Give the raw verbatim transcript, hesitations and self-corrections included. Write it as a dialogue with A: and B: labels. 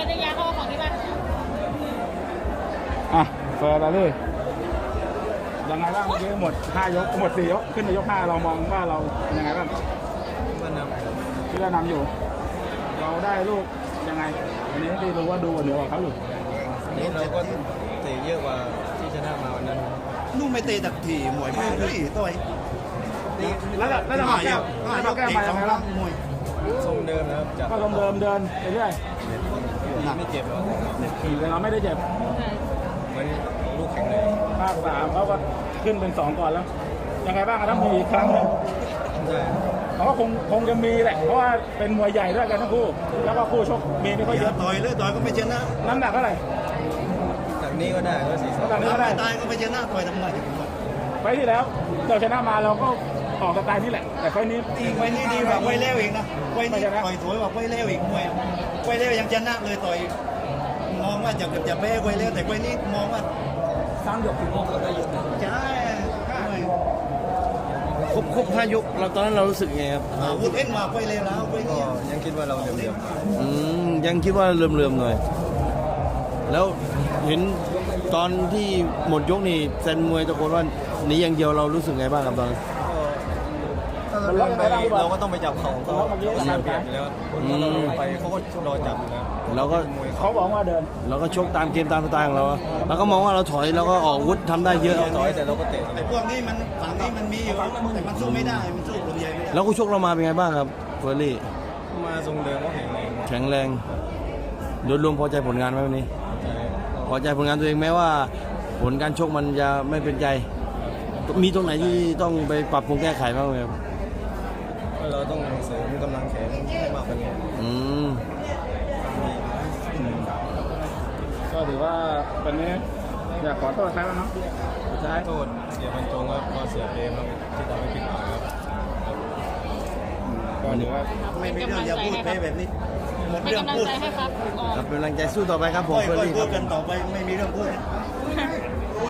A: นได้ยาเข้าของที่บ้าน
B: อ่ะเฟิร์นเลยยังไงบ้างเมื่อกี้หมดห้ายกหมดสี่ยกขึ้นในยกห้าเรามองว่าเราเป็นยังไงบ้าง
C: ก็นำ
B: ที่เรานำอยู่ เราได้ลูกยังไงอันนี้ที่รู้ว่าดูเหนือกว่าเขาอยู่
C: นี่เราก็เตะเยอะกว่าที่ชนะมาวันนั้น
D: นู่นไม่เตะตักถี่หมวยมากเลยต่อย
B: แล้วแล้วแล้วมาแก้วแล้วมาแก้วมายังไงบ้าง
D: มวย
C: ทรงเดิมนะครับจาก
B: ก็ลงเดิมเดินไปเรื่อย
C: ไม่เจ็บหรอก
B: แต่เราไม่ได้เจ็บ
C: เหมือนลูกแข็งเลย
B: ภาคสามเขาก็ขึ้นเป็นสองก่อนแล้ว ยังไงบ้างครับถ้ามีอีกครั้งหนึ่ง
C: ใช่
B: เขาก็คงคงจะมีแหละ เพราะว่าเป็นมวยใหญ่ด้วยกันทั้งคู่ แล้วก็คู่ชกมีไม่ค่อยเย
D: อย่า
B: อะ
D: ต่อยเลยต่อยก็ไม่ชนะ
B: น้ำหนักเท่าไหร่
C: จากนี้ก็ได้ก็สี่สอง
B: น้ำหนักนี้ก็ได้
D: ไม่ตายก็ไม่ชนะต่อยทำไม
B: ไฟล์ที่แล้วเราชนะมาเราก็ออกสไตล์นี่แหละ แต่ไฟล์นี้
D: อีกไว้นี่ดีกว่าไว้เล้วอีกนะไว้นี่ต่อยสวยกว่าไว้เล้วอีกมวยไว้เล้วยังชนะเลยต่อยมองว่าจะจะแพ้ไว้เล้วแต่ไว้นี่มองว่า
B: สร้างหยกสิบหกแล้วก็หยก
D: ใช่มวย
E: ครบครบห้ายกเราตอนนั้นเรารู้สึกไงครับ
D: อาวุธเอ็นมาไว้เล้วแล้วไว้
C: ก็
D: นี่
C: ยังคิดว่าเราเหลี่ยมๆ
E: อืมยังคิดว่าเลื่อมๆหน่อย แล้วเห็นตอนที่หมดยกนี่แซนมวยตะโกนว่าหนีอย่างเดียวเรารู้สึกไงบ้างครับตอนนั้น
C: ถ้าเราเดินไปเราก็ต้องไปจับเขาเขาเสียเปรียบอยู่แล้วถ้าเราเดินไปเขาก็รอจับอยู่แล้ว
E: เราก็
C: มวย
B: เขาบอกว่าเดิน
E: เราก็ชกตามเกมตามสไตล์ของเราเราก็มองว่าเราถอยเราก็ออกอาวุธทำได้เยอะ
C: เราต่อยแต่เราก็เตะ
D: ไอ้พวกนี้มันฝั่งนี้มันมีอยู่แต่มันสู้ไม่ได้มันสู้ลมใหญ่ไม่ได้
E: แล้วก็ชกเรามาเป็นไงบ้างครับเฟอร์รี่
C: มาทรงเดิมก็แข็งแรง
E: แข็งแรงโดยรวมพอใจผลงานไหมวันนี้
C: ใช่
E: พอใจผลงานตัวเองแม้ว่า ผลการชกมันจะไม่เป็นใจ มีตรงไหนที่ต้องไปปรับปรุงแก้ไขบ้างไหมครับ
C: ก็เราต้องเสริมกำลังแขนให้มากกว่านี้
E: อืม
B: ก็ถือว่าวันนี้อยากขอโทษใครบ้างเนาะสุดท้าย
C: โทษเสียบรรจงครับก็เสียเปรมครับที่ทำให้ผิดหวังครับ
B: ก็ถือว่า
D: ไม่มีเรื่องอย่าพูดแพ้แบบนี้หมด
A: เป็น
D: เรื่อง
A: กำลัง
D: พูด
A: ใจให้ครับออก
E: ครับเป็นกำลังใจสู้ต่อไปครับผม
D: ค่อย
E: เฟอร์รี่
D: ๆ
E: ค
D: พู
E: รั
D: ด
E: บ
D: กันต่อไปไม่มีเรื่องพูด